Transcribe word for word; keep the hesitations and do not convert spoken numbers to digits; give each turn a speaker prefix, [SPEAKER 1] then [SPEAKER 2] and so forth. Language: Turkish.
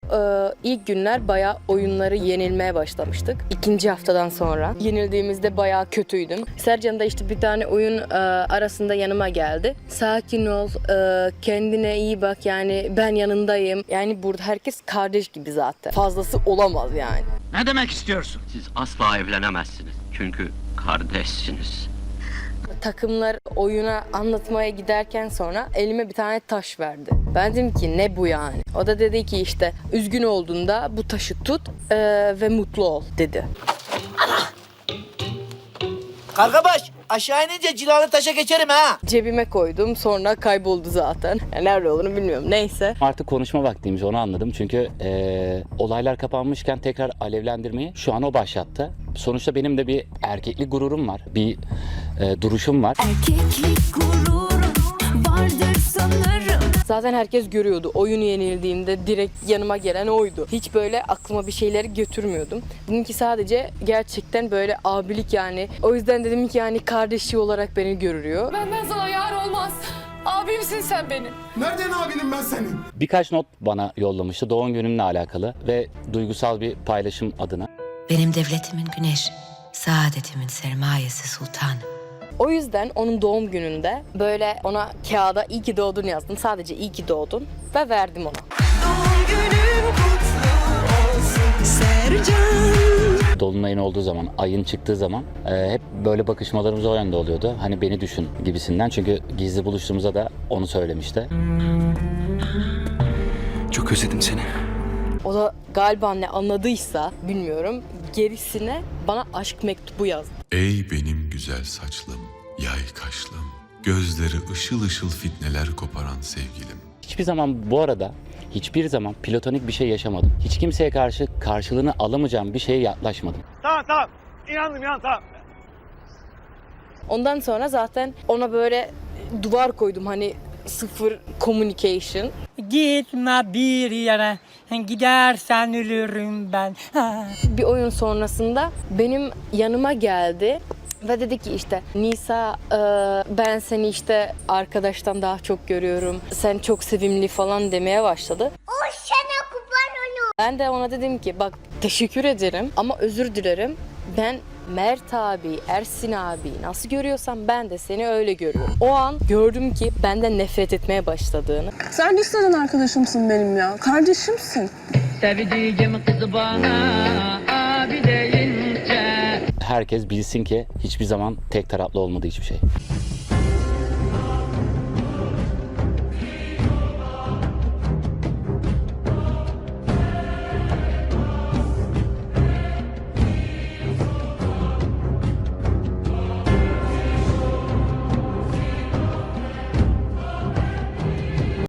[SPEAKER 1] Ee, ilk günler bayağı oyunları yenilmeye başlamıştık. İkinci haftadan sonra. Yenildiğimizde bayağı kötüydüm. Sercan da işte bir tane oyun e, arasında yanıma geldi. Sakin ol, e, kendine iyi bak, yani ben yanındayım. Yani burada herkes kardeş gibi zaten. Fazlası olamaz yani.
[SPEAKER 2] Ne demek istiyorsun?
[SPEAKER 3] Siz asla evlenemezsiniz. Çünkü kardeşsiniz.
[SPEAKER 1] Takımlar oyuna anlatmaya giderken sonra elime bir tane taş verdi. Ben dedim ki ne bu yani? O da dedi ki işte üzgün olduğunda bu taşı tut e, ve mutlu ol dedi.
[SPEAKER 4] Kargabaş aşağı inince cilalı taşa geçerim ha.
[SPEAKER 1] Cebime koydum, sonra kayboldu zaten. Yani nerede olduğunu bilmiyorum, neyse.
[SPEAKER 5] Artık konuşma vaktiymiş, onu anladım. Çünkü e, olaylar kapanmışken tekrar alevlendirmeyi şu an o başlattı. Sonuçta benim de bir erkeklik gururum var. Bir e, duruşum var.
[SPEAKER 6] Erkeklik gururum vardır sanırım.
[SPEAKER 1] Zaten herkes görüyordu. Oyun yenildiğimde direkt yanıma gelen oydu. Hiç böyle aklıma bir şeyleri götürmüyordum. Dedim ki sadece gerçekten böyle abilik yani. O yüzden dedim ki yani kardeşi olarak beni görüyor.
[SPEAKER 7] Benden sana yar olmaz. Abimsin sen benim.
[SPEAKER 8] Nereden abinim ben senin?
[SPEAKER 5] Birkaç not bana yollamıştı doğum günümle alakalı ve duygusal bir paylaşım adına.
[SPEAKER 6] Benim devletimin güneş, saadetimin sermayesi sultanım.
[SPEAKER 1] O yüzden onun doğum gününde böyle ona kağıda iyi ki doğdun yazdım. Sadece iyi ki doğdun ve verdim ona.
[SPEAKER 6] Doğum günün kutlu olsun Sercan.
[SPEAKER 5] Dolunayın olduğu zaman, ayın çıktığı zaman e, hep böyle bakışmalarımız o yönde oluyordu. Hani beni düşün gibisinden. Çünkü gizli buluştuğumuzda da onu söylemişti.
[SPEAKER 8] Çok özledim seni.
[SPEAKER 1] O da galiba ne anladıysa bilmiyorum, gerisine bana aşk mektubu yazdı.
[SPEAKER 9] Ey benim güzel saçlım, yay kaşlım, gözleri ışıl ışıl fitneler koparan sevgilim.
[SPEAKER 5] Hiçbir zaman bu arada hiçbir zaman platonik bir şey yaşamadım. Hiç kimseye karşı karşılığını alamayacağım bir şeye yaklaşmadım.
[SPEAKER 2] Tamam tamam. İnandım inan tamam.
[SPEAKER 1] Ondan sonra zaten ona böyle duvar koydum, hani sıfır communication.
[SPEAKER 10] Gitme bir yere, gidersen ölürüm ben.
[SPEAKER 1] Bir oyun sonrasında benim yanıma geldi ve dedi ki işte Nisa, e, ben seni işte arkadaştan daha çok görüyorum. Sen çok sevimli falan demeye başladı. O sana kurban onu. Ben de ona dedim ki bak teşekkür ederim ama özür dilerim. Ben Mert abi, Ersin abi nasıl görüyorsam ben de seni öyle görüyorum. O an gördüm ki benden nefret etmeye başladığını.
[SPEAKER 7] Sen liseden arkadaşımsın benim ya. Kardeşimsin.
[SPEAKER 10] Sevdiğim kızı bana abi deyince.
[SPEAKER 5] Herkes bilsin ki hiçbir zaman tek taraflı olmadı hiçbir şey.